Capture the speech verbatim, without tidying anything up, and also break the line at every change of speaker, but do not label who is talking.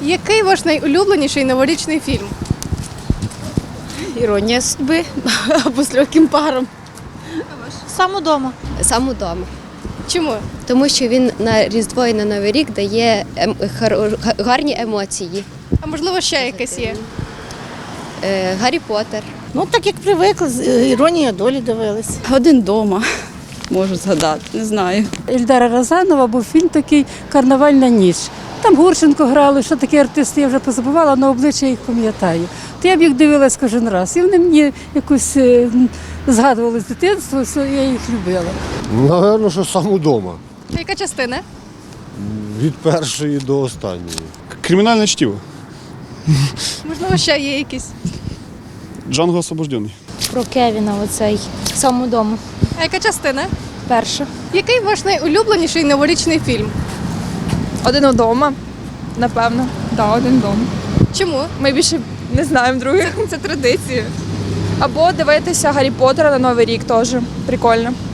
Який ваш найулюбленіший новорічний фільм?
Іронія судьби або з легким паром.
Сам удома.
Сам удома.
Чому?
Тому що він на Різдво і на Новий рік дає ем- хар- га- гарні емоції.
А можливо, ще якесь є?
Е, Гаррі Поттер.
Ну, так як привикли, з- е, іронія долі дивились.
Один дома, можу згадати, не знаю.
Ільдара Рязанова був фільм такий «Карнавальна ніч». Там Гурченко грали, що такі артисти, я вже позабувала, але обличчя їх пам'ятаю. То я б їх дивилась кожен раз. І вони мені якось е, згадували з дитинства, що я їх любила.
Напевно, що сам удома.
А яка частина?
Від першої до останньої.
Кримінальне чтиво.
Можливо, ще є якісь?
Джанго освобождений.
Про Кевіна оцей сам удома.
А яка частина?
Перша.
Який ваш найулюбленіший новорічний фільм?
Один удома, напевно. Так, да, один вдома.
Чому?
Ми більше не знаємо других. Це традиція. Або дивитися Гаррі Поттера на Новий рік теж. Прикольно.